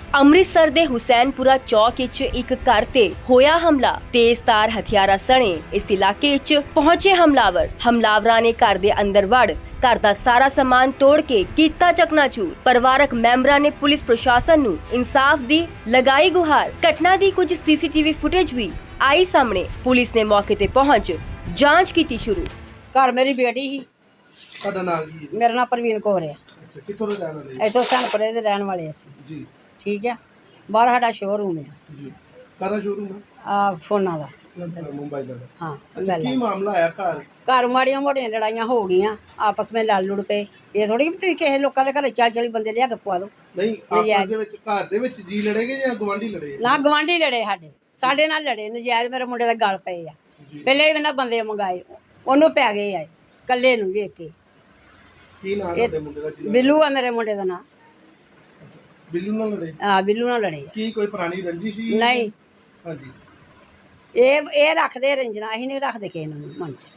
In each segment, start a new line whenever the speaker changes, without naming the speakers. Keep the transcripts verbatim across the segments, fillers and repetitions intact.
ਅੰਮ੍ਰਿਤਸਰ ਦੇ ਹੁਸੈਨਪੁਰਾ ਚੌਕ ਵਿੱਚ ਇੱਕ ਘਰ ਤੇ ਹੋਇਆ ਹਮਲਾ। ਤੇਜ਼ਧਾਰ ਹਥਿਆਰਾਂ ਸਣੇ ਇਸ ਇਲਾਕੇ ਵਿੱਚ ਪਹੁੰਚੇ ਹਮਲਾਵਰ ਹਮਲਾਵਰਾਂ ਨੇ ਘਰ ਦੇ ਅੰਦਰ ਵੜ ਘਰ ਦਾ ਸਾਰਾ ਸਮਾਨ ਤੋੜ ਕੇ ਕੀਤਾ ਚਕਨਾਚੂਰ। ਪਰਿਵਾਰਕ ਮੈਂਬਰਾਂ ਨੇ ਪੁਲਿਸ ਪ੍ਰਸ਼ਾਸਨ ਨੂੰ ਇਨਸਾਫ ਦੀ ਲਗਾਈ ਗੁਹਾਰ। ਘਟਨਾ ਦੀ ਕੁਝ ਸੀਸੀਟੀਵੀ ਫੁਟੇਜ ਵੀ ਆਈ ਸਾਹਮਣੇ। ਪੁਲਿਸ ਨੇ ਮੌਕੇ ਤੇ ਪਹੁੰਚ ਜਾਂਚ ਕੀਤੀ ਸ਼ੁਰੂ।
ਘਰ ਮੇਰੀ ਬੇਟੀ ਸੀ।
ਤੁਹਾਡਾ ਨਾਮ ਕੀ ਹੈ?
ਮੇਰਾ ਨਾਮ ਪ੍ਰਵੀਨ ਕੌਰ ਹੈ।
ਅੱਛਾ, ਕਿੱਥੋਂ ਦੇ ਰਹਿਣ ਵਾਲੇ
ਇੱਥੋਂ ਸਨਪੁਰੇ ਦੇ ਰਹਿਣ ਵਾਲੇ ਅਸੀਂ।
ਜੀ
ਠੀਕ ਹੈ। ਬਾਹਰ ਸਾਡਾ ਸ਼ੋਰੂਮ ਹੈ
ਜੀ। ਕਾਹਦਾ ਸ਼ੋਰੂਮ ਹੈ?
ਆ ਫੋਨਾਂ ਦਾ।
ਮੁੰਬਈ ਦਾ।
ਹਾਂ
ਅੱਛਾ, ਕੀ ਮਾਮਲਾ ਆਇਆ ਘਰ?
ਘਰ ਮਾੜੀਆਂ ਮੋੜੀਆਂ ਲੜਾਈਆਂ ਹੋ ਗਈਆਂ, ਆਪਸ ਵਿੱਚ ਲੜ ਲੁੜ ਪਏ। ਇਹ ਥੋੜੀ ਕਿ ਤੁਸੀਂ ਕਿਸੇ ਲੋਕਾਂ ਦੇ ਘਰੇ ਚਾਲੀ ਚਾਲੀ ਬੰਦੇ ਲਿਆ ਕੇ ਪਵਾ ਦਿਓ।
ਨਹੀਂ, ਆਪਸ ਦੇ ਵਿੱਚ ਘਰ ਦੇ ਵਿੱਚ ਜੀ ਲੜੇਗੇ ਜਾਂ ਗਵਾਂਢੀ ਲੜੇ?
ਨਾ ਗਵਾਂਢੀ ਲੜੇ, ਸਾਡੇ ਸਾਡੇ ਨਾਲ ਲੜੇ ਨਜਾਇਜ਼। ਮੇਰੇ ਮੁੰਡੇ ਦਾ ਗਲ ਪਏ ਆ। ਪਹਿਲੇ ਵੀ ਇਹਨਾਂ ਬੰਦੇ ਮੰਗਾਏ, ਉਹਨੂੰ ਪੈ ਗਏ ਆ ਕੱਲੇ ਨੂੰ ਵੇਖ ਕੇ।
ਕੀ ਨਾਮ ਹੈ ਤੁਹਾਡੇ ਮੁੰਡੇ ਦਾ?
ਬਿੱਲੂ ਆ ਮੇਰੇ ਮੁੰਡੇ ਦਾ ਨਾਂ।
ਬਿੱਲੂ ਨਾਲ ਲੜੇ?
ਆ ਬਿੱਲੂ ਨਾਲ ਲੜੇ।
ਕੀ ਕੋਈ ਪੁਰਾਣੀ ਰੰਜਿਸ਼ ਸੀ?
ਨਹੀਂ,
ਹਾਂਜੀ।
ਇਹ ਇਹ ਰੱਖਦੇ ਰੰਜਨਾ, ਅਸੀਂ ਨਹੀਂ ਰੱਖਦੇ ਕਿਸੇ ਨੂੰ ਮਨ ਚ।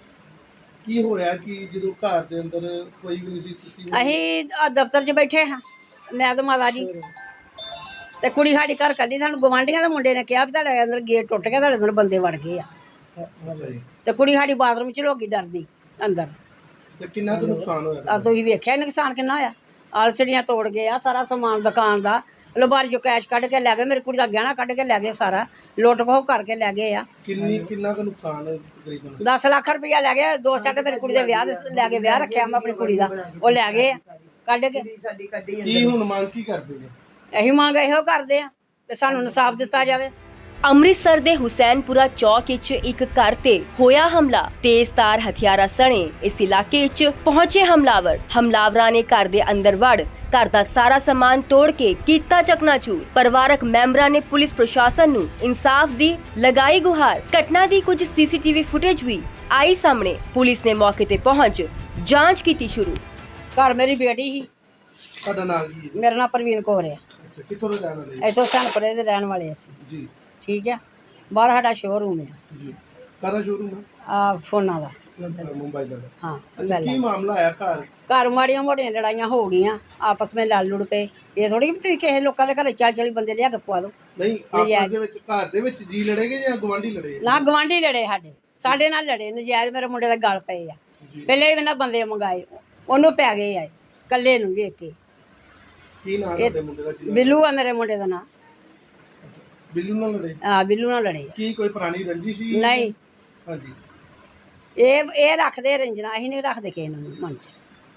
ਕੀ ਹੋਇਆ ਕਿ ਜਦੋਂ ਘਰ ਦੇ ਅੰਦਰ ਕੋਈ ਵੀ ਨਹੀਂ ਸੀ, ਤੁਸੀਂ
ਅਸੀਂ ਆਹ ਦਫ਼ਤਰ 'ਚ ਬੈਠੇ ਹਾਂ, ਮੈਂ ਤੇ ਮਾਤਾ ਜੀ ਤੇ ਕੁੜੀ ਸਾਡੀ ਘਰ ਕੱਲੀ। ਸਾਨੂੰ ਗਵਾਂਢੀਆਂ ਦੇ ਮੁੰਡੇ ਨੇ ਕਿਹਾ ਵੀ ਤੁਹਾਡੇ ਅੰਦਰ ਗੇਟ ਟੁੱਟ ਗਿਆ, ਤੁਹਾਡੇ ਅੰਦਰ ਬੰਦੇ ਵੜ ਗਏ ਆ।
ਅੱਛਾ ਜੀ।
ਤੇ ਕੁੜੀ ਸਾਡੀ ਬਾਥਰੂਮ 'ਚ ਲੋਕੀ ਡਰਦੀ ਅੰਦਰ।
ਤੇ ਕਿੰਨਾ ਕੁ ਨੁਕਸਾਨ ਹੋਇਆ?
ਆ ਤੁਸੀਂ ਵੇਖਿਆ ਨੁਕਸਾਨ ਕਿੰਨਾ ਹੋਇਆ। ਆਲਸੜੀਆਂ ਤੋੜ ਗਏ ਆ, ਸਾਰਾ ਸਮਾਨ ਦੁਕਾਨ ਦਾ। ਲਬਾਰੀ 'ਚੋਂ ਕੈਸ਼ ਕੱਢ ਕੇ ਲੈ ਗਏ, ਮੇਰੀ ਕੁੜੀ ਦਾ ਗਹਿਣਾ ਕੱਢ ਕੇ ਲੈ ਗਏ, ਸਾਰਾ ਲੁੱਟ ਖੋਹ ਕਰਕੇ ਲੈ ਗਏ ਆ।
ਕਿੰਨੀ ਕਿੰਨਾ ਕੁ ਨੁਕਸਾਨ ਹੈ ਤਕਰੀਬਨ?
ਦਸ ਲੱਖ ਰੁਪਇਆ ਲੈ ਗਏ। ਦੋ ਸੈੱਟ ਮੇਰੀ ਕੁੜੀ ਦੇ ਵਿਆਹ ਦੇ ਲੈ ਕੇ ਵਿਆਹ ਰੱਖਿਆ ਮੈਂ ਆਪਣੀ ਕੁੜੀ ਦਾ, ਉਹ ਲੈ ਗਏ ਆ ਕੱਢ ਕੇ।
ਕੀ ਹੁਣ ਮੰਗ ਕੀ ਕਰਦੇ ਨੇ?
ਅਸੀਂ ਮੰਗ ਇਹੋ ਕਰਦੇ ਆ ਕਿ ਸਾਨੂੰ ਇਨਸਾਫ ਦਿੱਤਾ ਜਾਵੇ।
ਅੰਮ੍ਰਿਤਸਰ ਦੇ ਹੁਸੈਨਪੁਰਾ ਚੌਕ ਵਿੱਚ ਇੱਕ ਘਰ ਤੇ ਹੋਇਆ ਹਮਲਾ। ਤੇਜ਼ਧਾਰ ਹਥਿਆਰਾਂ ਸਣੇ ਇਸ ਇਲਾਕੇ ਵਿੱਚ ਪਹੁੰਚੇ ਹਮਲਾਵਰ ਹਮਲਾਵਰਾਂ ਨੇ ਘਰ ਦੇ ਅੰਦਰ ਵੜ ਘਰ ਦਾ ਸਾਰਾ ਸਮਾਨ ਤੋੜ ਕੇ ਕੀਤਾ ਚਕਨਾਚੂਰ। ਪਰਿਵਾਰਕ ਮੈਂਬਰਾਂ ਨੇ ਪੁਲਿਸ ਪ੍ਰਸ਼ਾਸਨ ਨੂੰ ਇਨਸਾਫ ਦੀ ਲਗਾਈ ਗੁਹਾਰ। ਘਟਨਾ ਦੀ ਕੁਝ ਸੀਸੀਟੀਵੀ ਫੁਟੇਜ ਵੀ ਆਈ ਸਾਹਮਣੇ। ਪੁਲਿਸ ਨੇ ਮੌਕੇ ਤੇ ਪਹੁੰਚ ਜਾਂਚ ਕੀਤੀ ਸ਼ੁਰੂ।
ਘਰ ਮੇਰੀ ਬੇਟੀ ਸੀ।
ਤੁਹਾਡਾ ਨਾਮ ਕੀ ਹੈ?
ਮੇਰਾ ਨਾਮ ਪ੍ਰਵੀਨ ਕੌਰ ਹੈ।
ਅੱਛਾ, ਕਿੱਥੋਂ ਦੇ ਰਹਿਣ ਵਾਲੇ?
ਇੱਥੋਂ ਸਨਪੁਰੇ ਦੇ ਰਹਿਣ ਵਾਲੇ ਅਸੀਂ।
ਜੀ
ਠੀਕ ਹੈ। ਬਾਹਰ ਸਾਡਾ ਸ਼ੋਰੂਮ ਹੈ
ਜੀ। ਕਾਹਦਾ ਸ਼ੋਰੂਮ ਹੈ?
ਆ ਫੋਨਾਂ ਦਾ।
ਮੁੰਬਈ ਦਾ।
ਹਾਂ।
ਅੱਛਾ, ਕੀ ਮਾਮਲਾ ਆਇਆ ਘਰ?
ਘਰ ਮਾੜੀਆਂ ਮੋੜੀਆਂ ਲੜਾਈਆਂ ਹੋ ਗਈਆਂ, ਆਪਸ ਵਿੱਚ ਲੜ ਲੁੜ ਪਏ। ਇਹ ਥੋੜੀ ਕਿ ਤੁਸੀਂ ਕਿਸੇ ਲੋਕਾਂ ਦੇ ਘਰੇ ਚਾਲੀ ਚਾਲੀ ਬੰਦੇ ਲਿਆ ਕੇ ਪਵਾ ਦਿਓ।
ਨਹੀਂ, ਆਪਸ ਦੇ ਵਿੱਚ ਘਰ ਦੇ ਵਿੱਚ ਜੀ ਲੜੇਗੇ ਜਾਂ ਗਵਾਂਢੀ ਲੜੇ?
ਨਾ ਗਵਾਂਢੀ ਲੜੇ, ਸਾਡੇ ਸਾਡੇ ਨਾਲ ਲੜੇ ਨਜਾਇਜ਼। ਮੇਰੇ ਮੁੰਡੇ ਦਾ ਗਲ ਪਏ ਆ। ਪਹਿਲੇ ਵੀ ਇਹਨਾਂ ਬੰਦੇ ਮੰਗਾਏ, ਉਹਨੂੰ ਪੈ ਗਏ ਆ ਕੱਲੇ ਨੂੰ ਵੇਖ ਕੇ।
ਕੀ ਨਾਮ ਹੈ ਤੁਹਾਡੇ ਮੁੰਡੇ ਦਾ?
ਬਿੱਲੂ ਆ ਮੇਰੇ ਮੁੰਡੇ ਦਾ ਨਾਂ।
ਬਿੱਲੂ ਨਾਲ ਲੜੇ?
ਆ ਬਿੱਲੂ ਨਾਲ ਲੜੇ।
ਕੀ ਕੋਈ ਪੁਰਾਣੀ ਰੰਜਿਸ਼ ਸੀ?
ਨਹੀਂ,
ਹਾਂਜੀ।
ਇਹ ਇਹ ਰੱਖਦੇ ਰੰਜਨਾ, ਅਸੀਂ ਨਹੀਂ ਰੱਖਦੇ ਕਿਸੇ ਨੂੰ ਮਨ ਚ।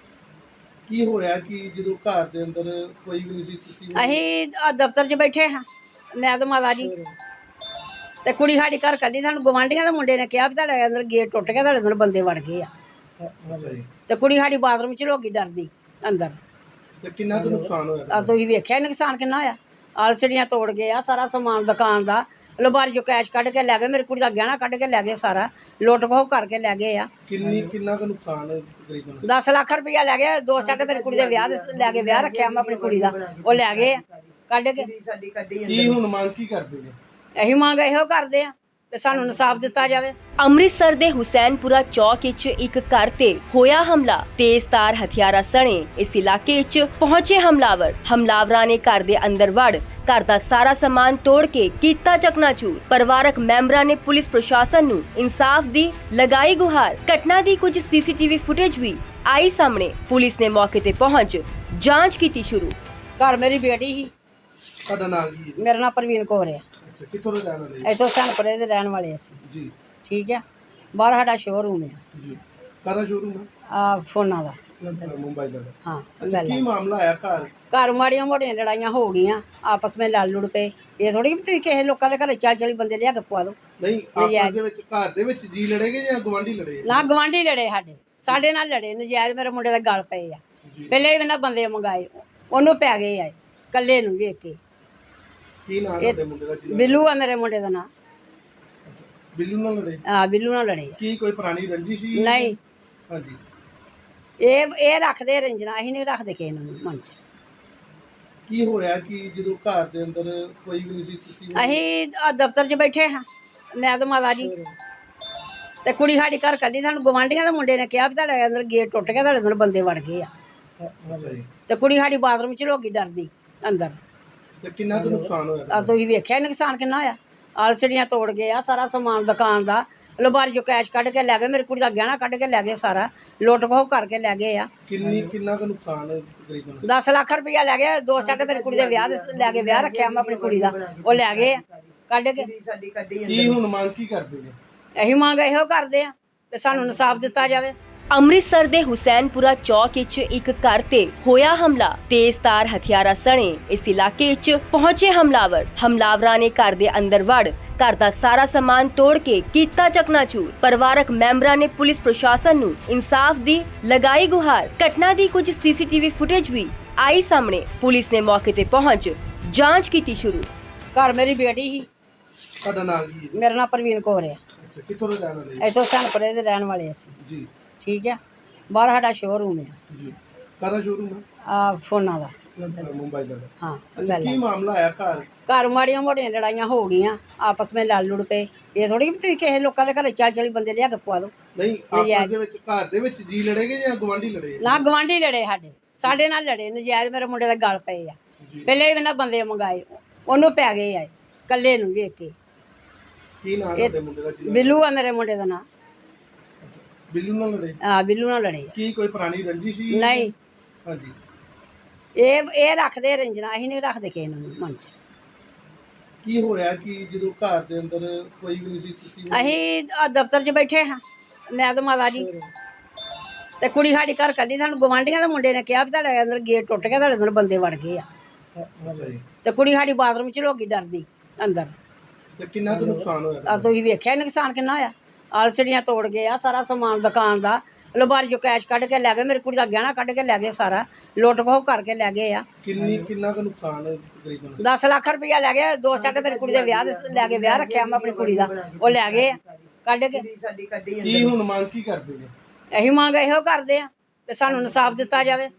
ਕੀ ਹੋਇਆ ਕਿ ਜਦੋਂ ਘਰ ਦੇ ਅੰਦਰ ਕੋਈ ਵੀ ਨਹੀਂ ਸੀ, ਤੁਸੀਂ
ਅਸੀਂ ਆਹ ਦਫ਼ਤਰ 'ਚ ਬੈਠੇ ਹਾਂ, ਮੈਂ ਤੇ ਮਾਤਾ ਜੀ ਤੇ ਕੁੜੀ ਸਾਡੀ ਘਰ ਕੱਲੀ। ਸਾਨੂੰ ਗਵਾਂਢੀਆਂ ਦੇ ਮੁੰਡੇ ਨੇ ਕਿਹਾ ਵੀ ਤੁਹਾਡੇ ਅੰਦਰ ਗੇਟ ਟੁੱਟ ਗਿਆ, ਤੁਹਾਡੇ ਅੰਦਰ ਬੰਦੇ ਵੜ ਗਏ ਆ।
ਅੱਛਾ ਜੀ।
ਤੇ ਕੁੜੀ ਸਾਡੀ ਬਾਥਰੂਮ 'ਚ ਲੋਕੀ ਡਰਦੀ ਅੰਦਰ।
ਤੇ ਕਿੰਨਾ ਕੁ ਨੁਕਸਾਨ ਹੋਇਆ?
ਆ ਤੁਸੀਂ ਵੇਖਿਆ ਨੁਕਸਾਨ ਕਿੰਨਾ ਹੋਇਆ। ਆਲਸੜੀਆਂ ਤੋੜ ਗਏ ਆ, ਸਾਰਾ ਸਮਾਨ ਦੁਕਾਨ ਦਾ। ਲਬਾਰੀ 'ਚੋਂ ਕੈਸ਼ ਕੱਢ ਕੇ ਲੈ ਗਏ, ਮੇਰੀ ਕੁੜੀ ਦਾ ਗਹਿਣਾ ਕੱਢ ਕੇ ਲੈ ਗਏ, ਸਾਰਾ ਲੁੱਟ ਖੋਹ ਕਰਕੇ ਲੈ ਗਏ ਆ।
ਕਿੰਨੀ ਕਿੰਨਾ ਕੁ ਨੁਕਸਾਨ ਹੈ ਤਕਰੀਬਨ?
ਦਸ ਲੱਖ ਰੁਪਇਆ ਲੈ ਗਏ। ਦੋ ਸੈੱਟ ਮੇਰੀ ਕੁੜੀ ਦੇ ਵਿਆਹ ਦੇ ਲੈ ਕੇ ਵਿਆਹ ਰੱਖਿਆ ਮੈਂ ਆਪਣੀ ਕੁੜੀ ਦਾ, ਉਹ ਲੈ ਗਏ ਆ ਕੱਢ ਕੇ।
ਕੀ ਹੁਣ ਮੰਗ ਕੀ ਕਰਦੇ ਨੇ?
ਅਸੀਂ ਮੰਗ ਇਹੋ ਕਰਦੇ ਆ ਕਿ ਸਾਨੂੰ ਇਨਸਾਫ ਦਿੱਤਾ ਜਾਵੇ।
ਅੰਮ੍ਰਿਤਸਰ ਦੇ ਹੁਸੈਨਪੁਰਾ ਚੌਕ ਵਿੱਚ ਇੱਕ ਘਰ ਤੇ ਹੋਇਆ ਹਮਲਾ। ਤੇਜ਼ਧਾਰ ਹਥਿਆਰਾਂ ਸਣੇ ਇਸ ਇਲਾਕੇ ਵਿੱਚ ਪਹੁੰਚੇ ਹਮਲਾਵਰ ਹਮਲਾਵਰਾਂ ਨੇ ਘਰ ਦੇ ਅੰਦਰ ਵੜ ਘਰ ਦਾ ਸਾਰਾ ਸਮਾਨ ਤੋੜ ਕੇ ਕੀਤਾ ਚਕਨਾਚੂਰ। ਪਰਿਵਾਰਕ ਮੈਂਬਰਾਂ ਨੇ ਪੁਲਿਸ ਪ੍ਰਸ਼ਾਸਨ ਨੂੰ ਇਨਸਾਫ ਦੀ ਲਗਾਈ ਗੁਹਾਰ। ਘਟਨਾ ਦੀ ਕੁਝ ਸੀਸੀਟੀਵੀ ਫੁਟੇਜ ਵੀ ਆਈ ਸਾਹਮਣੇ। ਪੁਲਿਸ ਨੇ ਮੌਕੇ ਤੇ ਪਹੁੰਚ ਜਾਂਚ ਕੀਤੀ ਸ਼ੁਰੂ।
ਘਰ ਮੇਰੀ ਬੇਟੀ ਸੀ।
ਤੁਹਾਡਾ ਨਾਮ ਕੀ ਹੈ?
ਮੇਰਾ ਨਾਮ ਪ੍ਰਵੀਨ ਕੌਰ ਹੈ।
ਅੱਛਾ, ਕਿੱਥੋਂ ਦੇ ਰਹਿਣ ਵਾਲੇ?
ਇੱਥੋਂ ਸਨਪੁਰੇ ਦੇ ਰਹਿਣ ਵਾਲੇ ਅਸੀਂ।
ਜੀ
ਠੀਕ ਹੈ। ਬਾਹਰ ਸਾਡਾ ਸ਼ੋਰੂਮ ਹੈ
ਜੀ। ਕਾਹਦਾ ਸ਼ੋਰੂਮ ਹੈ?
ਆ ਫੋਨਾਂ ਦਾ।
ਮੁੰਬਈ ਦਾ।
ਹਾਂ।
ਅੱਛਾ, ਕੀ ਮਾਮਲਾ ਆਇਆ ਘਰ?
ਘਰ ਮਾੜੀਆਂ ਮੋੜੀਆਂ ਲੜਾਈਆਂ ਹੋ ਗਈਆਂ, ਆਪਸ ਵਿੱਚ ਲੜ ਲੁੜ ਪਏ। ਇਹ ਥੋੜੀ ਕਿ ਤੁਸੀਂ ਕਿਸੇ ਲੋਕਾਂ ਦੇ ਘਰੇ ਚਾਲੀ ਚਾਲੀ ਬੰਦੇ ਲਿਆ ਕੇ ਪਵਾ ਦਿਓ।
ਨਹੀਂ, ਆਪਸ ਦੇ ਵਿੱਚ ਘਰ ਦੇ ਵਿੱਚ ਜੀ ਲੜੇਗੇ ਜਾਂ ਗਵਾਂਢੀ ਲੜੇ?
ਨਾ ਗਵਾਂਢੀ ਲੜੇ, ਸਾਡੇ ਸਾਡੇ ਨਾਲ ਲੜੇ ਨਜਾਇਜ਼। ਮੇਰੇ ਮੁੰਡੇ ਦਾ ਗਲ ਪਏ ਆ। ਪਹਿਲੇ ਵੀ ਇਹਨਾਂ ਬੰਦੇ ਮੰਗਾਏ, ਉਹਨੂੰ ਪੈ ਗਏ ਆ ਕੱਲੇ ਨੂੰ ਵੇਖ ਕੇ।
ਕੀ ਨਾਮ ਹੈ ਤੁਹਾਡੇ ਮੁੰਡੇ ਦਾ?
ਬਿੱਲੂ ਆ ਮੇਰੇ ਮੁੰਡੇ ਦਾ ਨਾਂ।
ਬਿੱਲੂ ਨਾਲ ਲੜੇ?
ਆ ਬਿੱਲੂ ਨਾਲ ਲੜੇ।
ਕੀ ਕੋਈ ਪੁਰਾਣੀ ਰੰਜਿਸ਼ ਸੀ?
ਨਹੀਂ,
ਹਾਂਜੀ।
ਇਹ ਇਹ ਰੱਖਦੇ ਰੰਜਨਾ, ਅਸੀਂ ਨਹੀਂ ਰੱਖਦੇ ਕਿਸੇ ਨੂੰ ਮਨ ਚ।
ਕੀ ਹੋਇਆ ਕਿ ਜਦੋਂ ਘਰ ਦੇ ਅੰਦਰ ਕੋਈ ਵੀ ਨਹੀਂ ਸੀ, ਤੁਸੀਂ
ਅਸੀਂ ਆਹ ਦਫ਼ਤਰ 'ਚ ਬੈਠੇ ਹਾਂ, ਮੈਂ ਤੇ ਮਾਤਾ ਜੀ ਤੇ ਕੁੜੀ ਸਾਡੀ ਘਰ ਕੱਲੀ। ਸਾਨੂੰ ਗਵਾਂਢੀਆਂ ਦੇ ਮੁੰਡੇ ਨੇ ਕਿਹਾ ਵੀ ਤੁਹਾਡੇ ਅੰਦਰ ਗੇਟ ਟੁੱਟ ਗਿਆ, ਤੁਹਾਡੇ ਅੰਦਰ ਬੰਦੇ ਵੜ ਗਏ ਆ।
ਅੱਛਾ ਜੀ।
ਤੇ ਕੁੜੀ ਸਾਡੀ ਬਾਥਰੂਮ 'ਚ ਲੋਕੀ ਡਰਦੀ ਅੰਦਰ।
ਤੇ ਕਿੰਨਾ ਕੁ ਨੁਕਸਾਨ ਹੋਇਆ
ਆ ਤੁਸੀਂ ਵੇਖਿਆ ਨੁਕਸਾਨ ਕਿੰਨਾ ਹੋਇਆ। ਆਲਸੜੀਆਂ ਤੋੜ ਗਏ ਆ, ਸਾਰਾ ਸਮਾਨ ਦੁਕਾਨ ਦਾ ਲਬਾਰੀ ਚੋਂ ਕੈਸ਼ ਕੱਢ ਕੇ ਲੈ ਗਏ, ਮੇਰੀ ਕੁੜੀ ਦਾ ਗਹਿਣਾ ਕੱਢ ਕੇ ਲੈ ਗਏ, ਸਾਰਾ ਲੁੱਟ ਖੋਹ ਕਰਕੇ ਲੈ ਗਏ ਆ।
ਕਿੰਨੀ ਕਿੰਨਾ ਕੁ ਨੁਕਸਾਨ ਹੈ ਤਕਰੀਬਨ?
ਦਸ ਲੱਖ ਰੁਪਇਆ ਲੈ ਗਏ। ਦੋ ਸੈੱਟ ਮੇਰੀ ਕੁੜੀ ਦੇ ਵਿਆਹ ਦੇ ਲੈ ਕੇ ਵਿਆਹ ਰੱਖਿਆ ਮੈਂ ਆਪਣੀ ਕੁੜੀ ਦਾ, ਉਹ ਲੈ ਗਏ ਆ ਕੱਢ ਕੇ।
ਕੀ ਹੁਣ ਮੰਗ ਕੀ ਕਰਦੇ ਨੇ?
ਇਹੀ ਮੰਗ ਇਹੋ ਕਰਦੇ ਆ ਕਿ ਸਾਨੂੰ ਇਨਸਾਫ ਦਿੱਤਾ ਜਾਵੇ।
ਅੰਮ੍ਰਿਤਸਰ ਦੇ ਹੁਸੈਨਪੁਰਾ ਚੌਕ ਵਿੱਚ ਇੱਕ ਘਰ ਤੇ ਹੋਇਆ ਹਮਲਾ। ਤੇਜ਼ਧਾਰ ਹਥਿਆਰਾਂ ਸਣੇ ਇਸ ਇਲਾਕੇ ਵਿੱਚ ਪਹੁੰਚੇ ਹਮਲਾਵਰ। ਹਮਲਾਵਰਾਂ ਨੇ ਘਰ ਦੇ ਅੰਦਰ ਵੜ ਘਰ ਦਾ ਸਾਰਾ ਸਮਾਨ ਤੋੜ ਕੇ ਕੀਤਾ ਚਕਨਾਚੂਰ। ਪਰਿਵਾਰਕ ਮੈਂਬਰਾਂ ਨੇ ਪੁਲਿਸ ਪ੍ਰਸ਼ਾਸਨ ਨੂੰ ਇਨਸਾਫ ਦੀ ਲਗਾਈ ਗੁਹਾਰ। ਘਟਨਾ ਦੀ ਕੁਝ ਸੀਸੀਟੀਵੀ ਫੁਟੇਜ ਵੀ ਆਈ ਸਾਹਮਣੇ। ਪੁਲਿਸ ਨੇ ਮੌਕੇ ਤੇ ਪਹੁੰਚ ਜਾਂਚ ਕੀਤੀ ਸ਼ੁਰੂ।
ਘਰ ਮੇਰੀ ਬੇਟੀ ਸੀ,
ਤੁਹਾਡਾ ਨਾਮ ਕੀ ਹੈ?
ਮੇਰਾ ਨਾਮ ਪ੍ਰਵੀਨ ਕੌਰ ਹੈ।
ਅੱਛਾ, ਕਿੱਥੋਂ ਦੇ ਰਹਿਣ ਵਾਲੇ?
ਇੱਥੋਂ ਸਨਪੁਰੇ ਦੇ ਰਹਿਣ ਵਾਲੇ ਅਸੀਂ।
ਜੀ
ਠੀਕ ਹੈ। ਬਾਹਰ ਸਾਡਾ ਸ਼ੋਰੂਮ ਹੈ
ਜੀ। ਕਾਹਦਾ ਸ਼ੋਰੂਮ ਹੈ?
ਆ ਫੋਨਾਂ ਦਾ।
ਮੁੰਬਈ ਦਾ।
ਹਾਂ
ਅੱਛਾ, ਕੀ
ਗੱਲ
ਮਾਮਲਾ ਆਇਆ ਘਰ?
ਘਰ ਮਾੜੀਆਂ ਮੋੜੀਆਂ ਲੜਾਈਆਂ ਹੋ ਗਈਆਂ, ਆਪਸ ਵਿੱਚ ਲੜ ਲੁੜ ਪਏ। ਇਹ ਥੋੜੀ ਕਿ ਤੁਸੀਂ ਕਿਸੇ ਲੋਕਾਂ ਦੇ ਘਰੇ ਚਾਲੀ ਚਾਲੀ ਬੰਦੇ ਲਿਆ ਕੇ ਪਵਾ ਦਿਓ।
ਨਹੀਂ, ਆਪਸ ਦੇ ਵਿੱਚ ਘਰ ਦੇ ਵਿੱਚ ਜੀ ਲੜੇਗੇ ਜਾਂ ਗਵਾਂਢੀ ਲੜੇ?
ਨਾ ਗਵਾਂਢੀ ਲੜੇ, ਸਾਡੇ ਸਾਡੇ ਨਾਲ ਲੜੇ ਨਜਾਇਜ਼। ਮੇਰੇ ਮੁੰਡੇ ਦੇ ਗਲ ਪਏ ਆ।
ਜੀ।
ਪਹਿਲੇ ਵੀ ਇਹਨਾਂ ਬੰਦੇ ਮੰਗਾਏ, ਉਹਨੂੰ ਪੈ ਗਏ ਆ ਕੱਲੇ ਨੂੰ ਵੇਖ ਕੇ।
ਕੀ ਨਾਮ
ਇਹ
ਤੁਹਾਡੇ ਮੁੰਡੇ ਦਾ? ਕੀ ਨਾਮ?
ਬਿੱਲੂ ਆ ਮੇਰੇ ਮੁੰਡੇ ਦਾ ਨਾਂ।
ਅੱਛਾ, ਬਿੱਲੂ ਨਾਲ ਲੜੇ?
ਆ ਬਿੱਲੂ ਨਾਲ ਲੜੇ ਆ।
ਕੀ ਕੋਈ ਪੁਰਾਣੀ ਰੰਜਿਸ਼ ਸੀ?
ਨਹੀਂ,
ਹਾਂਜੀ।
ਇਹ ਇਹ ਰੱਖਦੇ ਰੰਜਨਾ, ਅਸੀਂ ਨਹੀਂ ਰੱਖਦੇ ਕਿਸੇ ਨੂੰ ਵੀ ਮਨ 'ਚ।
ਕੀ ਹੋਇਆ ਕਿ ਜਦੋਂ ਘਰ ਦੇ ਅੰਦਰ ਕੋਈ ਵੀ ਨਹੀਂ ਸੀ, ਤੁਸੀਂ?
ਅਸੀਂ ਆਹ ਦਫ਼ਤਰ 'ਚ ਬੈਠੇ ਹਾਂ, ਮੈਂ ਤੇ ਮਾਤਾ ਜੀ, ਤੇ ਕੁੜੀ ਸਾਡੀ ਘਰ ਕੱਲੀ। ਸਾਨੂੰ ਗਵਾਂਢੀਆਂ ਦੇ ਮੁੰਡੇ ਨੇ ਕਿਹਾ ਵੀ ਤੁਹਾਡੇ ਅੰਦਰ ਗੇਟ ਟੁੱਟ ਗਿਆ, ਤੁਹਾਡੇ ਅੰਦਰ ਬੰਦੇ ਵੜ ਗਏ ਆ।
ਅੱਛਾ ਜੀ।
ਤੇ ਕੁੜੀ ਸਾਡੀ ਬਾਥਰੂਮ 'ਚ ਲੋਕੀ ਡਰਦੀ ਅੰਦਰ।
ਤੇ ਕਿੰਨਾ ਕੁ ਨੁਕਸਾਨ ਹੋਇਆ?
ਆ ਤੁਸੀਂ ਵੇਖਿਆ ਨੁਕਸਾਨ ਕਿੰਨਾ ਹੋਇਆ। ਆਲਸੜੀਆਂ ਤੋੜ ਗਏ ਆ, ਸਾਰਾ ਸਮਾਨ ਦੁਕਾਨ ਦਾ ਲਬਾਰੀ ਚੋਂ ਕੈਸ਼ ਕੱਢ ਕੇ ਲੈ ਗਏ, ਮੇਰੀ ਕੁੜੀ ਦਾ ਗਹਿਣਾ ਕੱਢ ਕੇ ਲੈ ਗਏ, ਸਾਰਾ ਲੁੱਟ ਖੋਹ ਕਰਕੇ ਲੈ ਗਏ ਆ।
ਕਿੰਨੀ ਕਿੰਨਾ ਕੁ ਨੁਕਸਾਨ ਹੈ ਤਕਰੀਬਨ?
ਦਸ ਲੱਖ ਰੁਪਇਆ ਲੈ ਗਏ। ਦੋ ਸੈੱਟ ਮੇਰੀ ਕੁੜੀ ਦੇ ਵਿਆਹ ਦੇ ਲੈ ਕੇ ਵਿਆਹ ਰੱਖਿਆ ਮੈਂ ਆਪਣੀ ਕੁੜੀ ਦਾ, ਉਹ ਲੈ ਗਏ ਆ ਕੱਢ ਕੇ।
ਕੀ ਹੁਣ ਮੰਗ ਕੀ ਕਰਦੇ ਨੇ?
ਇਹੀ ਮੰਗ ਇਹੋ ਕਰਦੇ ਆ ਕਿ ਸਾਨੂੰ ਇਨਸਾਫ ਦਿੱਤਾ ਜਾਵੇ।